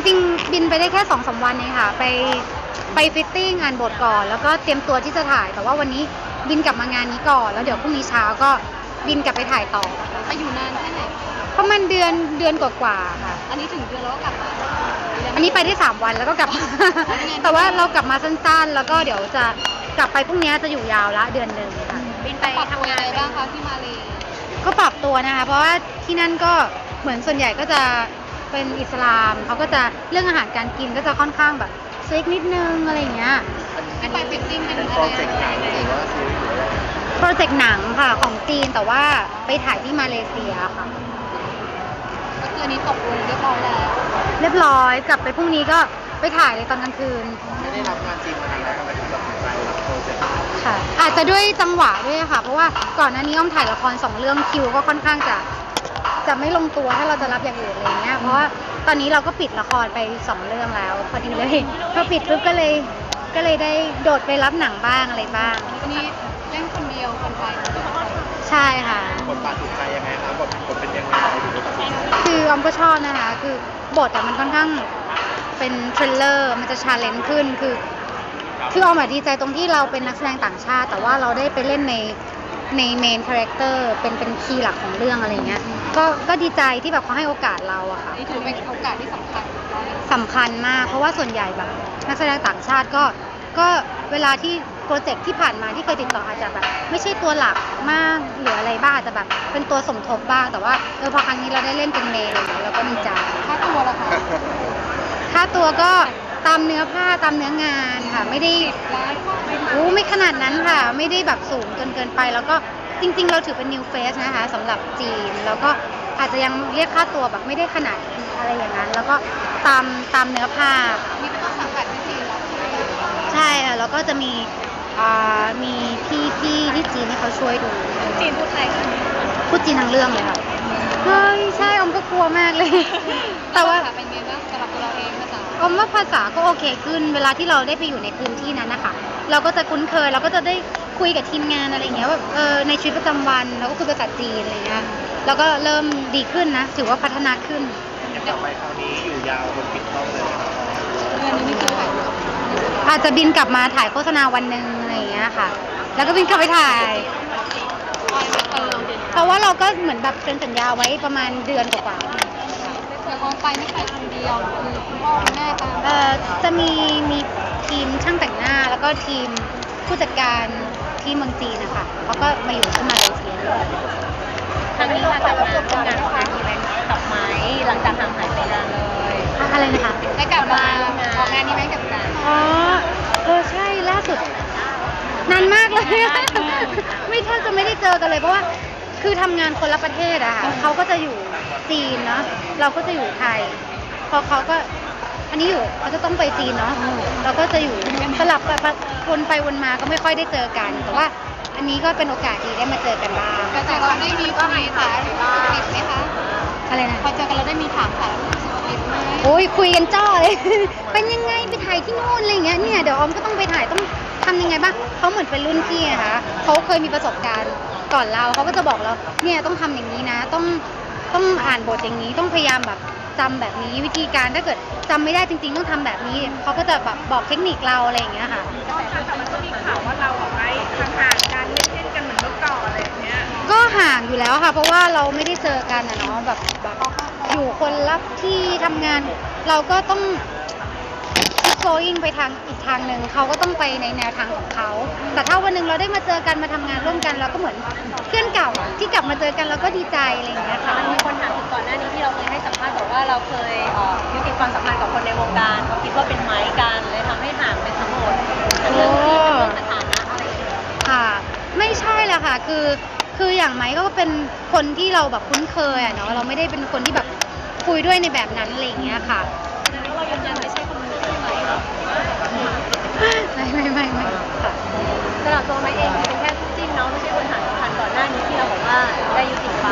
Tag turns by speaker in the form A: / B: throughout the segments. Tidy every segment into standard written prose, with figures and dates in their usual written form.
A: ริงๆบินไปได้แค่2-3 วันเองค่ะไปฟิตติ้งอ่านบทก่อนแล้วก็เตรียมตัวที่จะถ่ายแต่ว่าวันนี้บินกลับมางานนี้ก่อนแล้วเดี๋ยวพรุ่งนี้เช้าก็บินกลับไปถ่ายต่อ
B: ไปอยู่นานแค่ไหน
A: ประมาณเดือนกว่าๆค่ะ
B: อันนี้ถึงเดือนแล้วก็กลับมา
A: อันนี้ไปได้3 วันแล้วก็กลับมา แต่ว่าเรากลับมาสั้นๆแล้วก็เดี๋ยวจะกลับไปพรุ่งนี้จะอยู่ยาวละเดือนหนึ่งค่ะ
B: บินไปทำงานอะไรบ้างคะที่มาเล
A: ก็ปรับตัวนะคะเพราะว่าที่นั่นก็เหมือนส่วนใหญ่ก็จะเป็นอิสลามเขาก็จะเรื่องอาหารการกินก็จะค่อนข้างแบบสตริกนิดนึงอะไรอย่างเงี้ย
B: ที่ไปฟิตติ้งเป็น
C: โปรเจกต์หนังหรือว่าซีรีส์หรือว่า
A: โปรเจกต์หนังค่ะของจีนแต่ว่าไปถ่ายที่มาเลเซียค่ะ
B: ก็คืออันนี้ตกลงเรียบร้อยแล้ว
A: เรียบร้อยกลับไปพรุ่งนี้ก็ไปถ่ายเลยตอนกลางคืน
C: ไม่ได้รับงานจริงมานานแล้วทำไมถึงตัดสินใจรับโปรเจกต์
A: ค่ะอาจจะด้วยจังหวะด้วยค่ะเพราะว่าก่อนหน้านี้อ้อมถ่ายละคร2 เรื่องคิวก็ค่อนข้างจะไม่ลงตัวถ้าเราจะรับอย่างอื่นอะไรเงี้ยเพราะว่าตอนนี้เราก็ปิดละครไป2 เรื่องแล้วพอดีเลยพอปิดปุ๊บก็เลยได้โดดไปรับหนังบ้างอะไรบ้าง
B: อันนี้เล่นคนเดียวคนไทย
A: ใช่ค่ะ
C: บทบาทถูกใจยังไงครับบทเป็นยังไงถึงได้ตัดสินใจ
A: คือออมก็ชอบนะคะคือบทมันค่อนข้างเป็นทริลเลอร์มันจะชาเลนจ์ขึ้นคือออมดีใจตรงที่เราเป็นนักแสดงต่างชาติแต่ว่าเราได้ไปเล่นในเมนคาแรคเตอร์เป็นคีย์หลักของเรื่องอะไรเงี้ยก็ดีใจที่แบบเขาให้โอกาสเราอะค่ะ
B: นี่ถือเป็นโอกาสที่สำ
A: คัญมากเพราะว่าส่วนใหญ่แบบนักแสดงต่างชาติก็เวลาที่โปรเจกต์ที่ผ่านมาที่เคยติดต่ออาจจะแบบไม่ใช่ตัวหลักมากหรืออะไรบ้างอาจจะแบบเป็นตัวสมทบบ้างแต่ว่าพอครั้งนี้เราได้เล่นเป็นเมนเราก็ดีใจ
B: ค่าตัวล่ะคะ
A: ค่าตัวก็ตามเนื้อผ้าตามเนื้องานค่ะไม่ได้ไม่ขนาดนั้นค่ะไม่ได้แบบสูงจนเกินไปแล้วก็จริงๆเราถือเป็น new face นะคะสำหรับจีนแล้วก็อาจจะยังเรียกค่าตัวแบบไม่ได้ขนาดอะไรอย่างนั้นแล้วก็ตามเนื้อผ้า
B: นี่เป็นต้นสังกัดที่จีน
A: ใช่ค่ะแล้วก็จะมีพี่ที่จีนที่เขาช่วยดู
B: จีนพูดไทยค่ะ
A: พูดจีนทั้งเรื่องเลยค่ะเฮ้ยใช่อมก็กลัวมากเลยแต่ว่า
B: เป็นไงบ้างสำหรับตัวเราเองภาษา
A: อมว่าภาษาก็โอเคขึ้นเวลาที่เราได้ไปอยู่ในพื้นที่นั้นนะคะเราก็จะคุ้นเคยเราก็จะได้คุยกับทีมงานอะไรอย่างเงี้ยแบบในชีวิตประจำวันเราก็คุยภาษาจีนอะไรเงี้ยแล้วก็เริ่มดีขึ้นนะถือว่าพัฒนาขึ้น
C: อย่างต่อไปคราวนี้อยู่ยาวบนปิดกล้องเลยครับ
B: เดือนนึงนี่คือถ่าย
A: อาจจะบินกลับมาถ่ายโฆษณาวันหนึ่งอะไรอย่างเงี้ยค่ะแล้วก็บินกลับไปถ่ายเพราะว่าเราก็เหมือนแบบเซ็นสัญญาไว้ประมาณเดือนกว่า
B: แต่พอไปไม่ใช่คนเดียวคือคุณพ่อคุณแม่ตาม
A: จะมีทีมช่างแต่งหน้าแล้วก็ทีมผู้จัดการที่เมืองจีนนะคะเขาก็มาอยู่ที่มาเลเซีย
B: ครั้งนี้ค่ะกลับมาทำงานของการอีเวนต์กลับมาหลังจากห่างหายไปนานเลย
A: อะไรนะคะ
B: ได้กลับมาออกงานนี้ไหมกับการ
A: ใช่ล่าสุดนานมากเลยไม่แทบจะไม่ได้เจอกันเลยเพราะว่าคือทำงานคนละประเทศอะค่ะเขาก็จะอยู่จีนเนาะเราก็จะอยู่ไทยพอเขาก็อันนี้อยู่เขาจะต้องไปจีนเนาะเราก็จะอยู่สลับวนไปวนมาก็ไม่ค่อยได้เจอกันแต่ว่าอันนี้ก็เป็นโอกาสดีได้มาเจอกันบ้าง
B: แต่เราได้มีก็มีค่ะติดไหมคะ
A: อะไรนะ
B: พอเจอกันเราได้มีถามค่ะติดไหม
A: โอ้ยคุยกันจ้อเลย เป็นยังไงไปถ่ายที่นู่นอะไรอย่างเงี้ยเนี่ยเดี๋ยวออมก็ต้องไปถ่ายต้องทำยังไงบ้างเขาเหมือนเป็นรุ่นพี่นะคะเขาเคยมีประสบการณ์ก่อนเราเขาก็จะบอกเราเนี่ยต้องทำอย่างนี้นะต้องอ่านบทอย่างนี้ต้องพยายามแบบจำแบบนี้วิธีการถ้าเกิดจำไม่ได้จริงๆต้องทำแบบนี้เขาก็จะแบบบอกเทคนิคเราอะไรอย่างเงี้ยค่ะ
B: แต่มันก็มีข่าวว่าเราออกไปห่างกันไม่เช่นกันเหมือนเมื่อก่อนอะไรอย่างเงี้ย
A: ก็ห่างอยู่แล้วค่ะเพราะว่าเราไม่ได้เจอกันอะเนาะแบบอยู่คนละที่ทำงานเราก็ต้องโฟอิงไปทางอีกทางหนึ่งเขาก็ต้องไปในแนวทางของเขาแต่ถ้าวันหนึ่งเราได้มาเจอกันมาทำงานร่วมกันเราก็เหมือนเพื่อนเก่าที่กลับมาเจอกันเราก็ดีใจอะไรอย่างเงี้ยค่ะ
B: มันมีคนถามถึงก่อนหน้านี้ที่เราเคยให้สัมภาษณ์บอกว่าเราเคยยุติความสัมพันธ์กับคนในวงการเขาคิดว่าเป็นไม้กันเลยทำให้ห่างไปทั้งหมดทั้งเรื่องที่ทั้งเรื่องสถานะอะไรอย่างเงี้ย
A: ค่ะไม่ใช่แหละค่ะคืออย่างไม้ก็เป็นคนที่เราแบบคุ้นเคยอะเนาะเราไม่ได้เป็นคนที่แบบคุยด้วยในแบบนั้นอะไรอย่างเงี้ยค่ะ
B: แล้วเรายืนยันไม่ใช่คนนี้ใช่ไหม
A: ไม่ค่ะ
B: สำหรับตัวไม้เองเป็นแค่คู่จิ้นเนาะไม่ใช่คนหาสัมพันธ์ก่อนหน้านี้ที่เราบอกว่าได้ยุติไป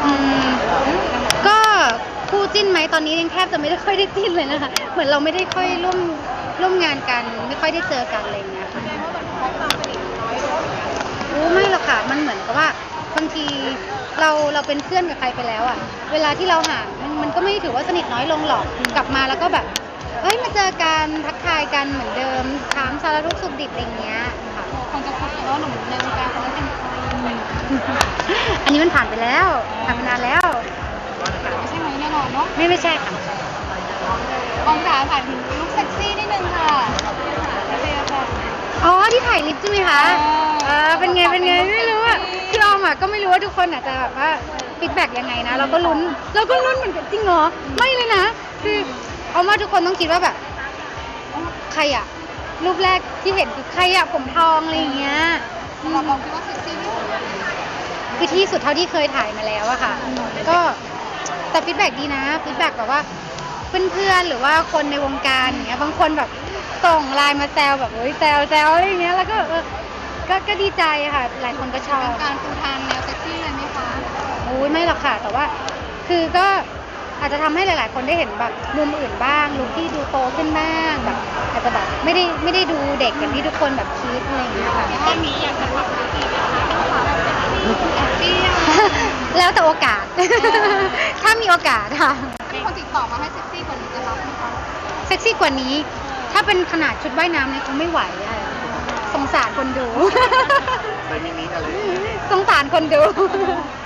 A: ก็คู่จิ้นไหมตอนนี้ยังแทบจะไม่ได้ค่อยได้จิ้นเลยนะคะเหมือนเราไม่ได้ค่อยร่วมงานกันไม่ค่อยได้เจอกันอะไรอย่างเงี้ยค่ะไม่หรอกค่ะมันเหมือนกับว่าพบางทีเราเป็นเพื่อนกับใครไปแล้วอ่ะเวลาที่เราห่างมันก็ไม่ถือว่าสนิทน้อยลงหรอกกลับมาแล้วก็แบบเฮ้ยมาเจอกันทักทายกันเหมือนเดิมถามสารทุกข์สุขดิบอะไรเงี้ยค่ะ
B: คนจะคุยว่าหนุ่มในวงการคนนั้นเป็นใคร
A: อันนี้มันผ่านไปแล้วผ่านไปนานแล้ว
B: ไม่ใช่ไหมแน่นอนเนาะ
A: ไม่ใช่ค่ะ
B: ออมจ๋าถ่ายถึงลุคเซ็กซี่นิดนึงค่ะโอเคค่ะ
A: อ๋อที่ถ่ายลิปใช่ไหมคะ เป็นไงไม่รู้อ่ะคือออมอ่ะก็ไม่รู้ว่าทุกคนอาจจะแบบว่าฟีดแบ็กยังไงนะเราก็ลุ้นเหมือนกันจริงเหรอไม่เลยนะคือเอาว่าทุกคนต้องคิดว่าแบบใครอ่ะรูปแรกที่เห็นคือใครอ่ะผมทองอะไรอย่างเงี้ย
B: เราลองคิดว่าเซ็กซี่ที่สุด
A: คือที่สุดเท่าที่เคยถ่ายมาแล้วอะค่ะก็แต่ฟีดแบ็กดีนะฟีดแบ็กแบบว่าเพื่อนๆหรือว่าคนในวงการอย่างเงี้ยบางคนแบบส่งไลน์มาแซวแบบโอ้ยแซวอะไรอย่างเงี้ยแล้วก็ก็ดีใจค่ะหลายคนก็ชอบ
B: การปูทางแนวเซ็กซี่เลยไหมคะ
A: โอ้ยไม่หรอกค่ะแต่ว่าคือก็อาจจะทำให้หลายๆ คนได้เห็นแบบมุมอื่นบ้างลุคที่ดูโตขึ้นบ้างแบบอาจจะแบบไม่ได้ดูเด็กอย่างที่ทุกคนแบบคิดอะไรอย่างเงี้ยค่ะ
B: แค่นี้อยากจะทำอะไรอีกไหมคะแอบเปรี้ยว
A: แล้วแต่โอกาส ถ้ามีโอกาสค่ะ
B: มีคนติดต่อมาให้เซ็กซี่กว่านี้จะรับไหมคะ
A: เซ็กซี่กว่านี้ ถ้าเป็นขนาดชุดว่ายน้ำเนี่ยคงไม่ไหวอะสงสารคนดู
C: ในมินิอะไร
A: สงสารคนดู